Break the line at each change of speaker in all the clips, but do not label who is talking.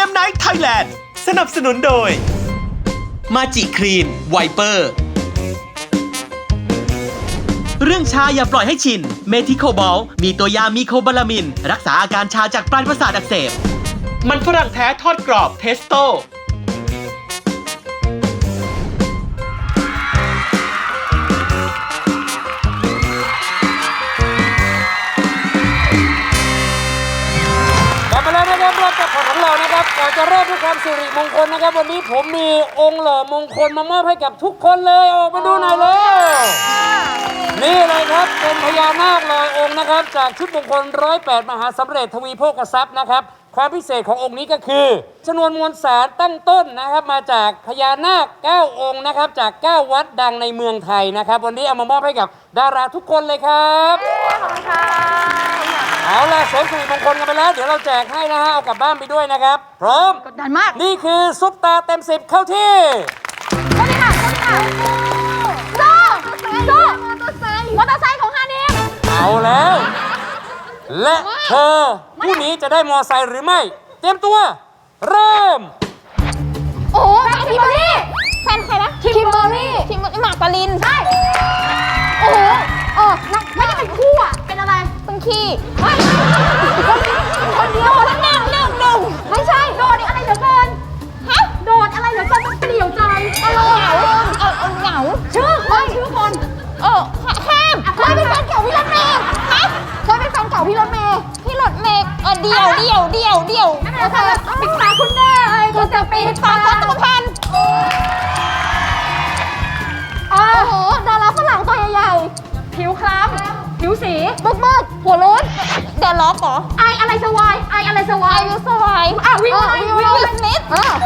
มไนท์ไทยแลนด์สนับสนุนโดยมาจิครีนไวเปอร์เรื่องชาอย่าปล่อยให้ชินเมทิโคบอลมีตัวยามีโคบาลามินรักษาอาการชาจากปลายประสาทอักเสบมันฝรั่งแท้ทอดกรอบเทสโต้
มาแล้วนะครับรอบจับของเรานะครับก่อนจะเริ่มด้วยความสิริมงคลนะครับวันนี้ผมมีองค์หล่อมงคลมามอบให้กับทุกคนเลยออกมาดูหน่อยเลยนี่เลยครับเป็นพญานาคลอยองค์นะครับจากชุดมงคล108มหาสำเร็จทวีโภคทรัพย์นะครับความพิเศษขององค์นี้ก็คือจำนวนมวลสารตั้งต้นนะครับมาจากพญานาค9องค์นะครับจาก9วัดดังในเมืองไทยนะครับวันนี้เอามามอบให้กับดาราทุกคนเลยครับขอบคุณค่ะเอาล่ะเสริมสิริมงคลกันไปแล้วเดี๋ยวเราแจกให้นะฮะเอากลับบ้านไปด้วยนะครับพร้อม
กดดันมาก
นี่คือซุปตาเต็ม10เข้าที่
สวัสดีค่ะโซ่มอเตอร์ไซค์ของฮานิม
เอาแล้วและเธอผู้นี้จะได้มอไซค์หรือไม่เตรียมตัวเริ่ม
โอ้โหคิมเบอรี่แฟนใครนะคิมเบอรี่หมากปรินใช่โอ้โหไม่ได้เป็นคู่อ่ะเป็นอะไรเป็นขี้คนเดียวทั้งหนึ่งไม่ใช่โดดอะไรเหลือเกินฮะโดดอะไรเหลือเกินมันเปลี่ยวใจเหงาชื่อคนห้ามเคยเป็นแฟนเก่าพี่รถเมย์ฮะเคยเป็นแฟนเก่าพี่รถเมย์เดียวปิดตาคุณแม่เลยคุณจะปิดตาตัวพันโอ้โหดาราฝรั่งตัวใหญ่ๆผิวคล้ำผิวสีมืดหัวโล้นเดอะล็อกเหรอไออะไรสวายวิวสวายวิวสมิธ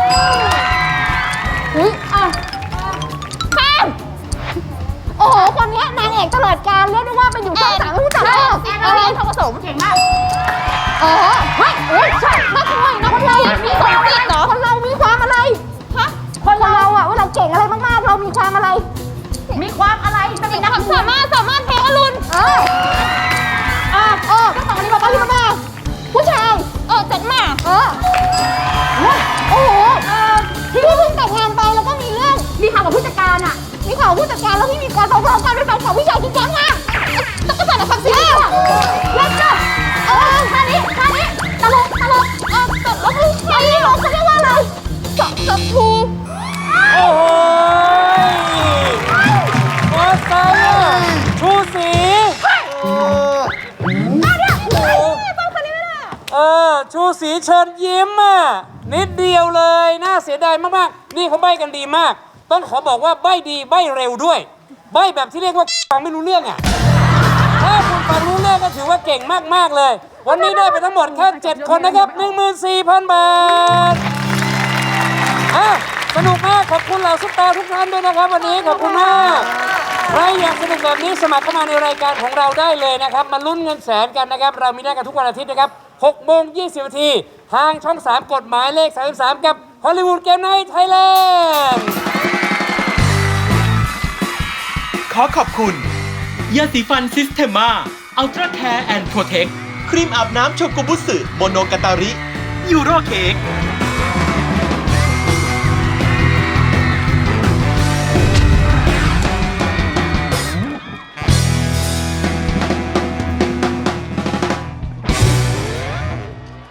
ข้ามโอ้โหคนนี้นางเอกตลอดกาลเรียกได้ว่าเป็นอยู่ช่อง3ไม่รู้จักแอนทองผสมเก่งมากเฮ้ยใช่นักมวยมีความติดเหรอคนเรามีความอะไรฮะคนเราอะว่าเราเก่งอะไรมากๆเรามีความอะไรเป็นนักสามารถเพลงอรุณก็สองนี้บอกว่าพี่มาผู้ชายจัดมาโอ้โหที่เพิ่งแต่งงานไปแล้วก็มีเรื่องมีข่าวกับผู้จัดการอะมีข่าวผู้จัดการแล้วพี่มีการฟ้องกันด้วยแฟนข่าวผู้ชายจริงจังมากต้องกระสันความจริงแล้วก็ท่านี้ตลกแล้วเขาเรียกว่าอะไรจับทู
โอ้โหมอไซค์ชูสีชูสีเชิญยิ้มนิดเดียวเลยน่าเสียดายมากๆนี่เขาใบ้กันดีมากต้องขอบอกว่าใบ้ดีใบ้เร็วด้วยใบ้แบบที่เรียกว่าฟังไม่รู้เรื่องถ้าคุณฟังรู้เรื่องก็ถือว่าเก่งมากๆเลยวันนี้ได้ไปทั้งหมดแค่7คนนะครับ 14,000 บาทสนุกมากขอบคุณเหล่าซุปตาทุกท่านด้วยนะครับวันนี้ขอบคุณมากใครอยากสนุกแบบนี้สมัครเข้ามาในรายการของเราได้เลยนะครับมาลุ้นเงินแสนกันนะครับเรามีได้กันทุกวันอาทิตย์นะครับ6:20 น.ทางช่อง 3 กฎหมายเลข 33 กับฮอลลีวูดเกมไนท์ไทยแลนด์
ขอขอบคุณยาสีฟันซิสเทมมาอัลตร้าแคร์แอนด์โปรเทคครีมอาบน้ำโชกุบุสึโมโนกาตาริยูโรเค้ก